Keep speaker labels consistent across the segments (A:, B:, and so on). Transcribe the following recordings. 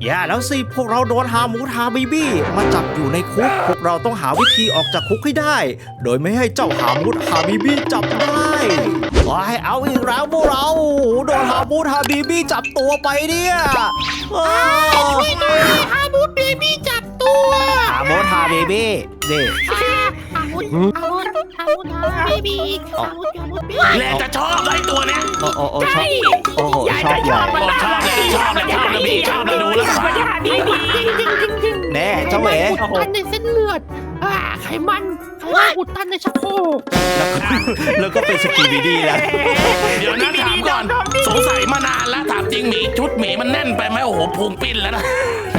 A: อย่าแล้วสิพวกเราโดนฮามูทาบีบี้มาจับอยู่ในคุกพวกเราต้องหาวิธีออกจากคุกให้ได้ โดยไม่ให้เจ้าฮามูทาบีบี้จับได้ให้เอาอีกแล้วพวกเราโดนฮามูทาบีบี้จับตัวไปเนี่ย
B: ช่วยด้วยฮามูทบีบี้จับตัว
A: ฮามูทาบีบี้นี่
B: ฮามูทบีบี้ฮามูทบีบี้
C: แหละจะชอบไอ้ตัวเนี้ย
A: โอ้ชอบโอ้โหชอบใหญ่
C: ชอบเลยพี่ชอบเลยดูแล้ว
A: แน่เจ้าเหว
B: อุดตันในเส้นเลือดไขมันอุดตันในชักโครก
A: แล้วก็เป็นสกีบีดีแล้ว
C: เดี๋ยวนะถามก่อนสงสัยมานานแล้วถามจริงหมีชุดหมีมันแน่นไปไหมโอ้โหพุงปิ้นแล้วนะ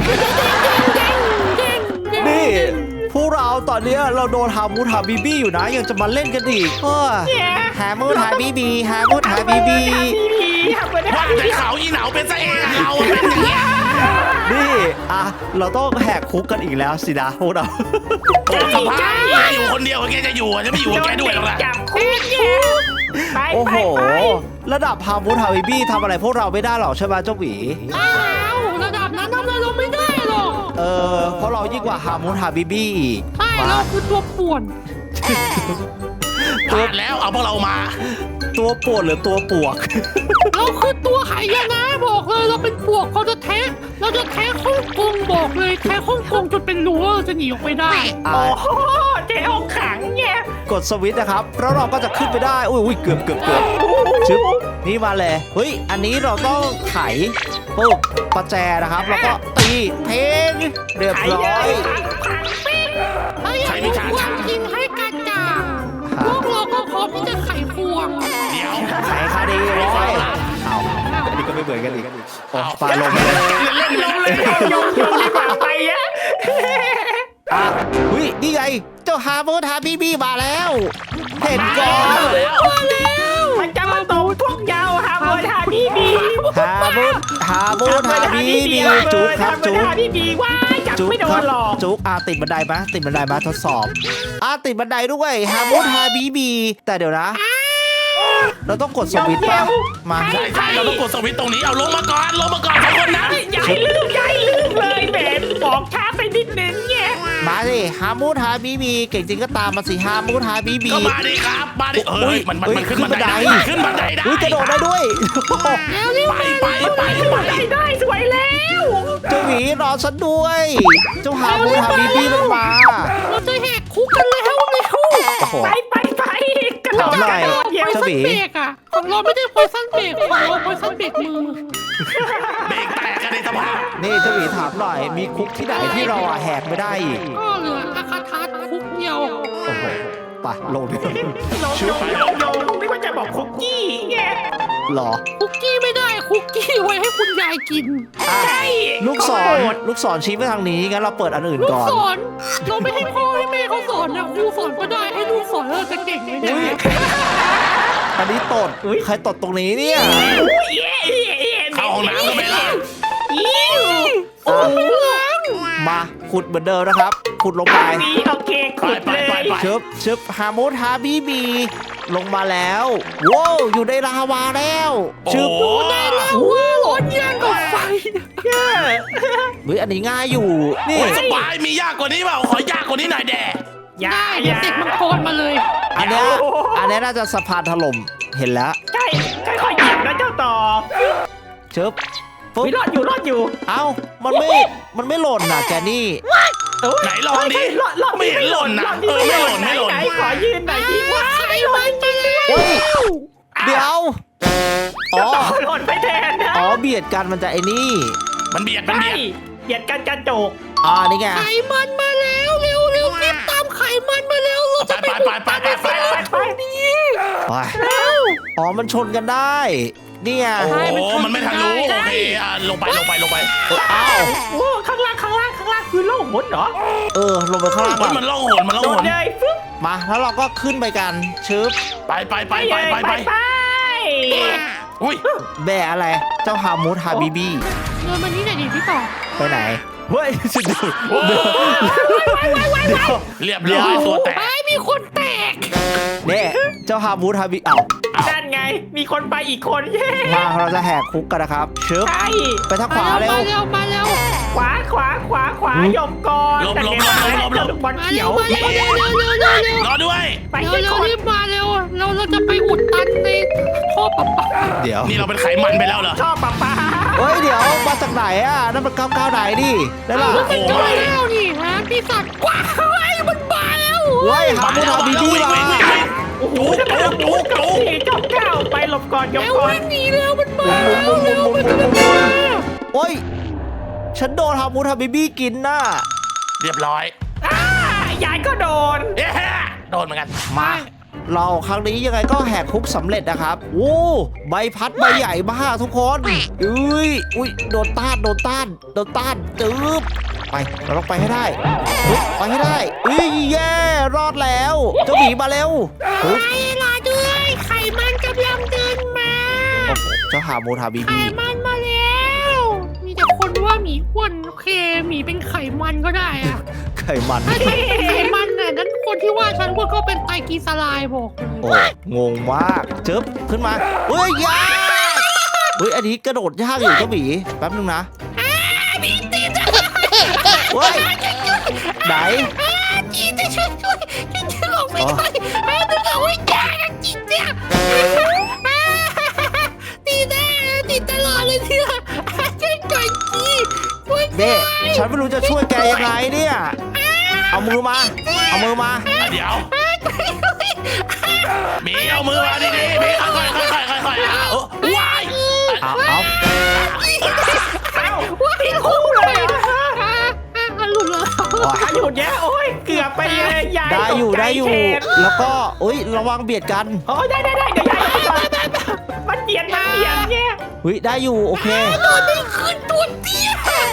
A: นี่พวกเราตอนนี้เราโดนฮามูทาบีบี้อยู่นะยังจะมาเล่นกันอีกฮามูทาบีบี้ฮามูทาบีบี้
C: ว่าแต่เขาอีเหนาเป็นซะเองเราเป็นอย่างเงี้ย
A: นี่เราต้องแหกคุกกันอีกแล้วสินะพวกเรา
C: โอ้สภาพอยู่คนเดียวแกจะอยู่จะไม่อยู่แกด้วยหรอกนะ
B: จับคุกเนี่ย
A: โอ้โหระดับฮามูทาบีบี้ทำอะไรพวกเราไม่ได้หรอกใช่ไหมเจ้าหวี
B: ระดับนั้นทำอะไรเราไม่ได้หรอก
A: เพราะเรายิ่งกว่าฮามูทาบีบี้
B: ใช่เราคือตัวป่วน
C: ตัวแล้วเอาพวกเรามา
A: ตัวป่วนหรือตัวปวก
B: เราคือตัวหายนะบอกเลยเราเป็นปวกเราจะแท้ฮ่องกงบอกเลยแท้ฮ่องกงจนเป็นรั้วจะหนีออกไปได้
C: โอ้โหเจ๊องขังเนี่ย
A: กดสวิตช์นะครับแล้วเราก็จะขึ้นไปได้อุ้ยเกือบชึบนี่มาเลยเฮ้ยอันนี้เราต้องไขปุ๊บประแจนะครับแล้วก็ตีเพลงเรียบร้อย
C: ใครมีฉาก
B: ยิงให้กระจ่างพวกเราก็พร้อมที่จะไขควง
C: เดี๋ยว
A: ไขคดีร้อยอันนี้ก็ไม่เบื่อกันอีกปลาลงเลย
B: ยงดีกว่าไป
A: หุ้ยนี่ไงเจ้าฮามูทาบีบี้มาแล้วเห็นก่อน
B: มาแล้วมันจะมาตบพวกยาวฮามูทาบีบี้
A: ฮามูทาบีบี้จุ๊บครับจุ๊บ
B: จุ๊บไม่โดนหรอก
A: จุ๊บติดบันไดมาทดสอบติดบันไดด้วยฮามูทาบีบี้แต่เดี๋ยวนะเราต้องกดสวิตช์ป่ะมา
C: ใช่เราต้องกดสวิตช์ตรงนี้เอาลงมาก่อนทุกคนนะ
B: ใหญ่ลืมเลยเบนบอกช้าไปนิดนึงเนี่ย
A: มาสิฮามูทาบีบีเก่งจริงก็ตามมาสิฮามูทาบีบี
C: ก็มาดิครับมาดิมันขึ้นบันไดได้
A: กระโดดได้ด้วย
B: ได้สวยแล้ว
A: เจ้าหวีรอฉันด้วยเจ้าฮามูทาบีบีมันมา
B: เราจะแหกคุกกันแล้วไปกระโดด
A: หน่อยเจ้าหวี
B: ของเราไม่ได้พอยซันเบรกของเราพอยซันเบรกมือ
C: เบรกแตกกันในสภาพ
A: นี่เจ้าหวีถามหน่อยมีคุกที่ไหนที่เราแหกไม่ได้อีก
B: ก็เหลืออาคาทัศคุกเดียว
A: โอ้โหไปลงดิ
B: ชุบไม่ว่าจะบอกคุกกี้ไง
A: หรอ
B: คุกกี้ไม่ได้คุกกี้ไว้ให้คุณยายกิน
A: ใช่ลูกศรชี้ไปทางนี้งั้นเราเปิดอันอื่นก่อน
B: ลูกศรเราไม่ให้พ่อให้แม่เขาสอนนะครูสอนก็ได้ให้ลูกสอนเราจะเก่งเลยเนี่ย
A: อันนี้ตดใครตดตรงนี้เนี่ย
C: เข้าห้องน้ำก็ไม่ได้
A: มาขุดเหมือนเดิมนะครับขุดลงไป
B: โอเคขุดเลย
A: ชึบฮามูทาบีบีลงมาแล้วว้าวอยู่ในลาวาแล้วชึบ
B: ได้แล้วว้าวร้อนแย่งกับไฟ
A: เฮ้ยอันนี้ง่ายอยู่นี่
C: สบายมียากกว่านี้เปล่าขอยากกว่านี้หน่อยแด่
B: อย่าติดมังกรมาเลย
A: อันนี้น่าจะสะพานถล่มเห็นแล้ว
B: ใช่ค่อยๆเหยียบนะเจ้าต่อ
A: ชึบ
B: รอดอยู่
A: เอ้ามันไม่หล่นนะแกนี่
C: ไหนลองดิไม่เห็นหล่นนะไม่หล่น
B: ขอยืนหน่อยดิว่าใครมันไปแล้ว
A: เดี๋ยว
B: หล่นไปแทนนะ
A: เบียดกันมันจะไอ้นี่
C: มันเบียด
B: กันกระจก
A: นี่ไง
B: ไขมันมาแล้วเร็วรีบตามไขมันมาแล้วเราจะไป
A: มันชนกันได้นี่ไง
C: โอ้มันไม่ทะลุโอเคลงไป
A: อ้าว
B: ข้างล่างคือโล่งหนเหรอ
A: ลงไปข้างล่าง
C: มันล่องหน
B: เลย
A: มาแล้วเราก็ขึ้นไปกันชึบ
C: ไปอุ้ย
A: แบะอะไรเจ้าฮามูทาบีบี้
B: เดินมานี่หน่อยดิพี่ต่อ
A: ไปไหนเฮ้ยสุด
C: เรียบร้อยตัวแตก
B: มีคนแตก
A: เนี่ยเจ้าฮามูทาบี
B: นั่นไงมีคนไปอีกคน
A: มาเราจะแหกคุกกันนะครับชึบไปทางขวาเร็ว
B: มาแล้ว
D: ขวายอมก่อน
C: หลบ
D: แต่
C: หลบ
D: แก
C: หลบหลบหลบ
D: ลูกบอล
B: มา
D: เขี
B: เร็
D: ยว ว
B: มาเร็วเร็วเร็วเร็วเร็วเร็ว
C: รอด้วย
D: ไป
B: เร็ว
D: ให้
B: เร็ว
D: คน
B: รีบมาเร็วเราจะไปอุดตันในท่อประปา
A: เดี๋ยว
C: นี่เราเป็นไขมันไปแล้วเหรอ
D: ชอบป้า
A: เฮ้ยเดี๋ยวมาจากไหนอ่ะนั่นมัน99ไหนดิได้ล่ะ
B: มันก็แล้วนี่ฮะพี่สัตว์ว้าวไอ้มันมาแล้ว
A: เฮ้ยหามูทาบีบี้มา
D: โอ้โหจะมาดูกับสี่เจ้าเก้าไปหลบก่อนยอม
B: แล้ว
D: ก่อน
B: วิ่งหนีแล้วมันมาแล้วเร็วมันจะมา
A: โอ้ยฉันโดนหามูทาบีบี้กินน่ะ
C: เรียบร้อย
D: ยายก็โดน
C: เอ๊ะโดนเหมือนกัน
A: มาเราครั้งนี้ยังไงก็แหกคุกสำเร็จนะครับโอ้ใบพัดใบใหญ่มากทุกคนอุ้ยโดนต้านจืบไปเราต้องไปให้ได้ไปให้ได้แย่รอดแล้วเจ้าหมีมาเร็ว
B: ไอ้ล่ะด้วยไข่มันกำลังเดินมา
A: โอ้โหเจ้าหามูทาบี
B: ไข่
A: บี้
B: มันมาแล้วมีแต่คนว่าหมีอ้วนโอเคหมีเป็นไข่มันก็ได้อะ
A: ไข่มัน
B: ถ้าฉันเป็นไข่มันน่ะนั้นคนที่ว่าฉันอ้วนก็เป็นไตรกลีเซอไรด์บอกเลย
A: โอ้งงมากจึ๊บขึ้นมายากอันนี้กระโดดยากอยู่เจ้าหมีแป๊บนึงนะเฮ้ยไหน
B: จีจะช่วยจีจะออกไปช่วยนึกเอาไว้ยากจริงเนี่ยตีแน่ตีตลอดเลยเนี่ยช่วยก่อนจีช่วย
A: เด้ฉันไม่รู้จะช่วยแกยังไงเนี่ยเอามือมา
C: เดี๋ยวหมีเอามือมาดีๆหมีค่อยๆว้าย
A: เอา
D: ว้ายคู่เลย
B: หลุดเลย
D: หยุดแย่โอ้ยเกือบไปเลยยาย
A: ได้อยู่
D: ตกใจ
A: แล้วก็ระวังเบียดกัน
D: โอ้ยได้เดี๋ยวยายมันเบียดเนี่ย
A: ได้อยู่โอเค
B: โดนไม่ขึ้นตัวเตี้ย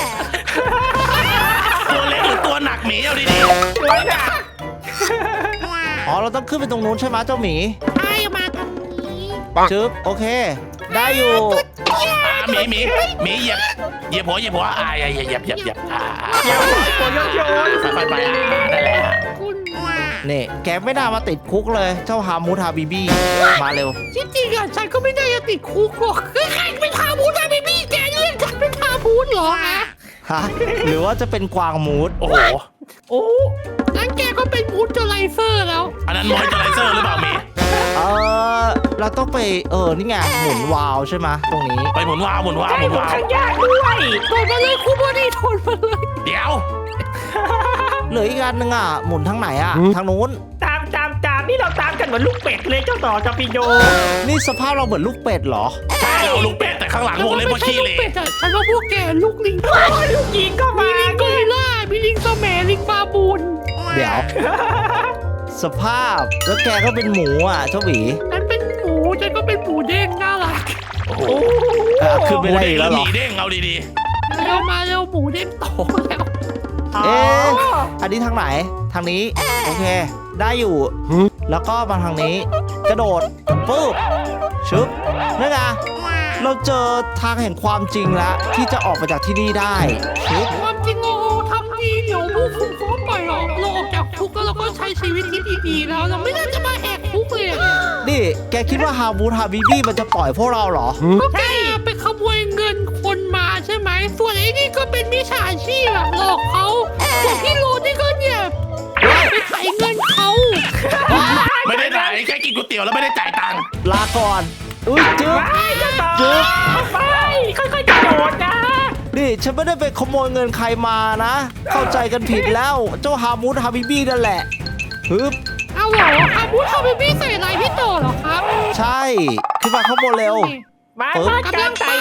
C: ตัวเล็กหรือตัวหนักหมีเอาดี
D: สวยนะ
A: อ๋อเราต้องขึ้นไปตรงนู้นใช่ไหมเจ้าหมี
B: ไอ้มาทางนี้
A: จึ๊บโอเค ได้อยู่
C: ๆหมีเหยียบหัวเหยียบอย่า
D: อย่าตัวโยน
C: ค่อยๆไปนั่นแหละ
B: คุณ
A: นี่แกไม่น่ามาติดคุกเลยเจ้าฮามูทาบีบี้มาเร็ว
B: ที่จริงอ่ะฉันก็ไม่ได้จะติดคุกหรอกใครเป็นทาบูดอะเบบี้แกเรียกฉันเป็นทาบูดเหรอฮะ
A: ฮะหรือว่าจะเป็นกวางมูด
C: โอ้โห
D: โอ้
B: งั้นแกก็เป็นมูดเจอไรเซอร์แล้ว
C: อันนั้นมอยเจอไรเซอร์หรือเปล่าหมี
A: เราต้องไปนี่ไงหมุนวาล์วใช่ไหมตรงนี้
C: ไปหมุนวาว
D: ใช่หนูข้างยากด้วย
B: โดนมาเลยคู่บอดี้โดนมาเลย
C: เดี๋ยว
A: เหลืออีกอันนึงอ่ะหมุนทางไหนอ่ะทางนู้น
D: ตามนี่เราตามกันเหมือนลูกเป็ดเลยเจ้าต่อจอปิโย
A: นี่สภาพเราเหมือนลูกเป็ดเหรอ
C: ใช่เราลูกเป็ดแต่ข้างหลังวงเล็บว่าขี้เหร่
B: ฉันว่าพวกแกลูกลิง
D: ลูกยิงก็
B: มี
D: มา
B: ลิงกอริลล่ามีลิงสแมลิงบาบูน
A: เดี๋ยว สภาพแล้วแกก็เป็นหมูอ่ะเจ้าหวี
B: ฉันเป็นหมูฉันก็เป็นหมูเด้งน่ารัก
C: โอ้โห
A: ขึ้น
C: ห
A: ไม่
C: มู
A: ได้
C: เด้
A: อี
C: ง
A: ก
C: แล้
A: แล้ว ว
C: ห
A: เหรอ
C: มีเด้งเอาดี
B: เร็วมาเร็วหมูเด้งโตแล้ว
A: เอ๊ะ อันนี้ทางไหนทางนี้โอเค ได้อยู่แล้วก็มาทางนี้ กระโดดปุ๊บชึบนี่ไงเราเจอทางแห่งความจริงแล้วที่จะออกมาจากที่นี่ได้ชึบ
B: ความจริงเราทำดีเดี๋ยวผู้คุมเขาปล่อยเราออกจากคุกแล้วเราก็ใช้ชีวิตที่ดีๆแล้วเราไม่น่าจะมาแหกคุกเลย
A: นี่แกคิดว่าฮาบูทาบีบี้มันจะปล่อยพวกเราเหรอ
B: ก็แกไปขโมยเงินคนมาใช่ไหมส่วนไอ้นี่ก็เป็นมิจฉาชีพอะหลอกเขาส่วนพี่โรนี่ก็เนี่ยไปไถเงินเขา
C: ๆไม่ได้ไหนแค่กินก๋วยเตี๋ยวแล้วไม่ได้จ่ายตังค์
A: ลาก่อนอุ้ยจึ๊บ
D: ไปเจ้าต่อ
A: จึ๊บ
D: ไปค่อยๆกระโดดนะ
A: นี่ฉันไม่ได้ไปขโมยเงินใครมานะ เข้าใจกันผิดแล้วเจ้าฮามูทาบีบี้นั่นแหละฮึบ
B: เอาเหรออาบูทำเป็นพี่ใส่อะไรพี่โตเหรอครับ
A: ใช่ขึ้นมาข้างบนเร็ว
D: มาการไต่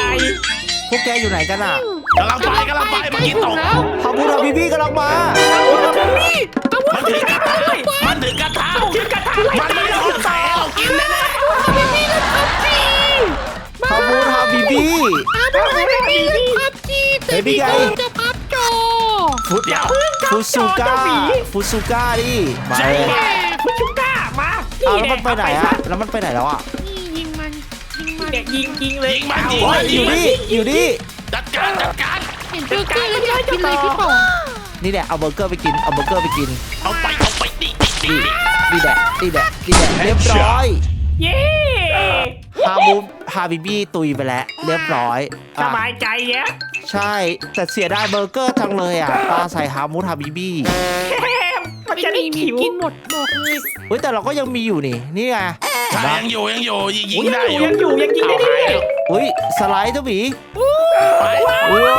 A: พวกแกอยู่ไหนกันอ่ะ
C: กำลังไปเมื่อกี้ตก
B: แล้ว
A: ฮามูทาบีบี้กำลังมา
B: อาบูทำพี่อาบู
C: มัน
B: ทำ
C: ถื
B: พี่
C: อกระทะมันถือกระทะ
D: ชิมกระทะ
C: มันไม่ได้คนใส่ให้เรากินแน่
B: ทำพี่เล่นพับจี
A: ฮามูทาบีบี้
B: อาบูทำพี่เล่นพับจีแต่พี่โตจะพับจอ
A: ฟุต
C: เดี๋ยว
A: ฟุซูก้าฟุซูก้าดิมาเลย
B: แม่
D: คุณชุก้ามา
A: เอาแล้วมันไปไหนอ่ะแล้วมันไปไหนแล้วอ่ะ
B: นี่ยิงมันยิงมัน
D: เด็กยิงเลย
C: ยิงมันยิง
A: โอ้
C: มั
A: ย
C: น
A: อ
C: ยิง
A: ยู่
C: มัน
A: นี่อยู่นี่
C: จัดการ
B: เห็นเบอร์เกอร์แล้วอยากกินเลยพี่ป๋อง
A: นี่แหละเอาเบอร์เกอร์ไปกินเอาเบอร์เกอร์ไปกิน
C: เอาไปดิ
A: นี่แหละเรียบร้อย
D: เย้
A: ฮาบีบี้ตุยไปแล้วเรียบร้อย
D: ส
A: อ่ะ
D: บายใจแยะ
A: ใช่แต่เสียดายเบอร์เกอร์จังเลยอ่ะปลาใส่ฮามูทาบิบี้
D: มัน
B: ไม่
D: จะได้
B: มี
D: ขิว
B: กินหมดบอกเลย
A: เฮ้ยแต่เราก็ยังมีอยู่นี่ไง
C: ใช่ยังอยู่ยิงได้อยู่
D: ยังกินได้ดิ
A: อุ้ยสไลด์เจ้าหมี
C: ไป
A: โอ้ย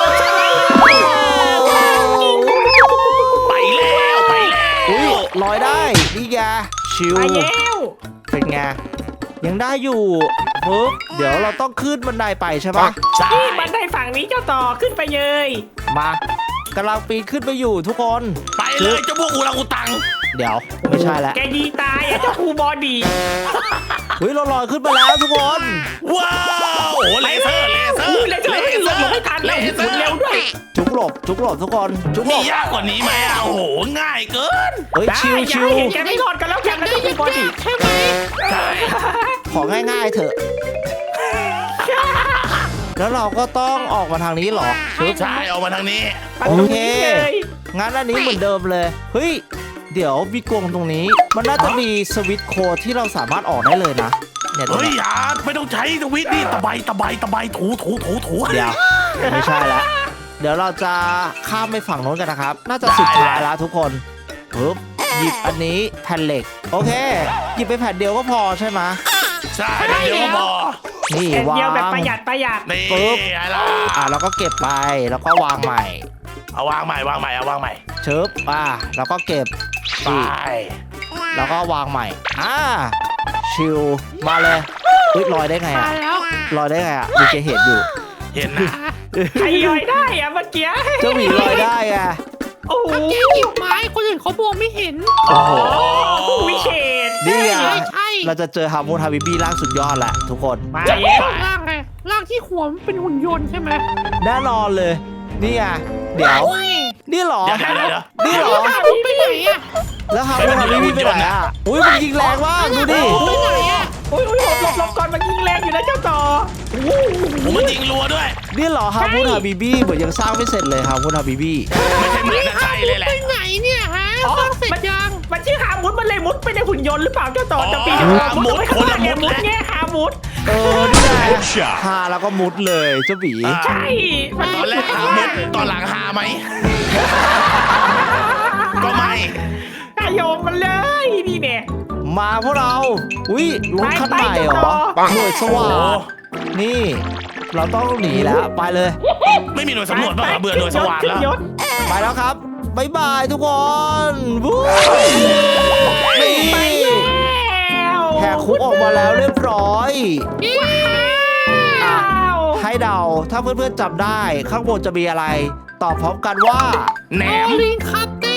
C: ไปแล้วไปแล้ว
A: อุ้ยลอยได้นี่ไงชิว
D: ไปแล้ว
A: เป็นไงยังได้อยู่ปึ๊บเดี๋ยวเราต้องขึ้นบันไดไปใช่ปะ
C: ใช่
D: นี่บันไดฝั่งนี้เจ้าต่อขึ้นไปเลย
A: มากำลังปีนขึ้นไปอยู่ทุกคน
C: ไปเลยเจ้าพวกอูรังอูตัง
A: เดี๋ยวไม่ใช่แล้ว
D: แกยีตายอ่ะเจ้าครูบอดี
A: เฮ้ยเราลอยขึ้นมาแล้วทุกคน
C: ว้าวโอ้เลเซอร์
D: เลยหลบไม่ทันแล้วหมุนเร็วด้วย
A: จุกหลบทุกคนจุกหล
C: มี
A: บ
C: ยากกว่านี้ไหมอ่ะโอ้โหง่ายเกิน
A: เฮ้ย
D: ได้
A: ชิว
D: อย่าให้เห็นแกไม่รอดกันแล้วกันนะ
B: ได้
D: เจ้าครู
B: ยัง
D: บอดี
B: ยากใช่ไหม
C: ใช่
A: ของง่ายๆเถอะ แล้วเราก็ต้องออกมาทางนี้เหรอชึบ
C: ใช่ออกมาทางนี้
A: โอเคงั้นอันนี้เหมือนเดิมเลยเฮ้ยเดี๋ยวมีกรงตรงนี้ มันน่าจะมีสวิตช์โค้ดที่เราสามารถออกได้เลยนะเนี่ยตรง
C: เฮ้ย
A: เนี้ย
C: อย่าไม่ต้องใช้ทวิตนี่ตะไบถู
A: เดี๋ยวไม่ใช่แล้วเดี๋ยวเราจะข้ามไปฝั่งโน้นกันนะครับ น่าจะสุดท้ายแล้วทุกคนปึ๊บหยิบอันนี้แผ่นเหล็กโอเค หยิบไปแผ่นเดียวก็พอใช่ไหม
C: ใช่เดี๋ยวก็พอ
A: นี่
D: แก
A: วา
D: เดียวแบบ
A: ง
D: ประหยัด
C: นี่
A: ปึ๊บ
C: อะไรล่ะ
A: แล้วก็เก็บไปแล้วก็วางใหม่
C: เอาวางใหม่เอาวางใหม่
A: ชึบแล้วก็เก็บ
C: ไป
A: แล้วก็วางใหม่ชิลมาเลยอุ๊ยลอยได้ไง
B: มา
A: อ่ะ
B: แล้ว
A: ลอยได้ไงอ่ะมีเจเห็นอยู่
C: เห็นนะ
D: ใครย่อยได้อะเมื่อกี้
A: เจ้าหมีลอยได้อ่ะ
D: โอ้โห
B: ก็แกหยิบไม้คนอื่นเขามองไม่เห็น
A: โอ้โห
D: วิเศษ
A: นี่ไง
B: ใช่
A: เราจะเจอฮามูนฮาบิบี้ร่างสุดยอดแหละทุกคน
D: มาแล้ว
B: ร่างไงร่างที่หัวมันเป็นหุ่นยนต์ใช่ไหม
A: แน่นอนเลยนี่ไงเดี๋ยว
B: โอ้ย
A: นี่เหรอ
C: เดี๋ยว
A: นี่เหรอ
B: มันไปไหนอะ
A: แล้วฮามูนฮาบิบี้ไปไหนอ่ะอุ้ยมันยิงแรงมากดูดิ
B: ไปไหนอะ
D: อุ้ยหลบก่อนมันยิงแรงอยู่นะเจ้าต่อ
C: ผมมันยิงรัวด้วย
A: นี่เหรอฮามูนฮาบิบี้เหมือนยังสร้างไม่เสร็จเลยฮามูนฮาบิบี้
C: ไม่ใช่เหมือนนะใช่เลยแหละ
B: ไปไหนเนี่ยฮะสร้างเสร็จยัง
D: มันชื่อฮามุดมันเลยมุดไปในหุ่นยนต์หรือเปล่าเจ้าต่อจะปีนมุดไปข้างล่างเนี่ยมุดแง่ฮามุด
A: นี่ไงฮาแล้วก็มุดเลยเจ้าหมี
D: ใช่มัน
C: ตอนแรกหามุดตอนหลังหาไหม ก็ไม่
D: นายโยมมันเลยนี่เนี่ย
A: มาพวกเราอุ้ยรถคันใหม่เหรอหน่วยสว่างนี่ เราต้องหนีแล้วไปเลย
C: ไม่มีหน่วยสำรวจบ้างเหรอเบื่อหน่วยสว่างแล้ว
D: ยศ
A: ไปแล้วครับบ๊ายบายทุกคนวู้นี่
D: แล้ว
A: แหกคุกออกมาแล้วเรียบร้อย
D: อ้าว
A: ให้เดาถ้าเพื่อนๆจำได้ข้างบนจะมีอะไร ตอบพร้อมกันว่า
C: แหนม
B: ลิงคัตเต้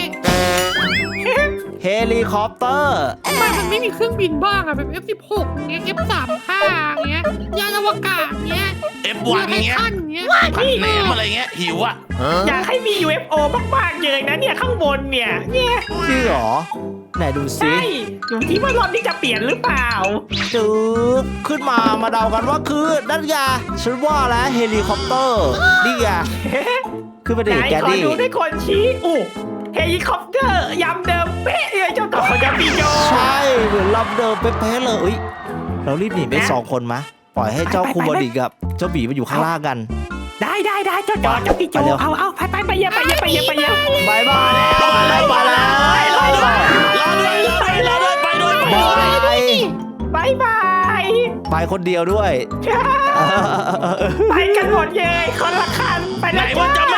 A: เฮลิคอปเตอร์
B: ทำไมมันไม่มีเครื่องบินบ้างอะแบบ F16 เงี้ย F35 เงี้ยยานอวกาศเงี้ย
C: F1 อย่างเงี้ย
B: ท่านเงี้ย
C: ผัดแหนมอะไรเงี้ยหิวอ่ะ
D: อยากให้มี UFO มากๆเลยนะเนี่ยข้างบนเนี่ย
A: จริงเหรอไหนดูซิ
D: ใช่อยู่ที่ว่ารถนี่จะเปลี่ยนหรือเปล่า
A: จึ๊บขึ้นมาเดากันว่าคือนั่นไงฉันว่าแล้วเฮลิคอปเตอร์นี่ไงขึ้นมาดิ
D: ไหน
A: แก
D: ขอ
A: ดี้
D: ดูด้วยคนชี้อู้เฮลิคอปเตอร์ยำเดิมเป๊ะเลยเจ้าต่อจะปีโย
A: ใช่เหมือนลำเดิมเป๊ะๆเลยอุ๊ยเรารีบหนีไปสองคนมะปล่อยให้เจ้าคูบอดีกับเจ้าบีมาอยู่ข้างล่างกัน
D: ได้เจ้าต่อจะปีโย
A: ไปเร็ว
D: เอาไปเยอะ
A: บายบายไปแล้ว
C: รอด้วยไปด้วย
A: บาย
D: บาย
A: ไปคนเดียวด้วย
D: ไปกันหมดเลยคนละคันไป
C: ไหน
D: แล้ว
C: ว่าจะ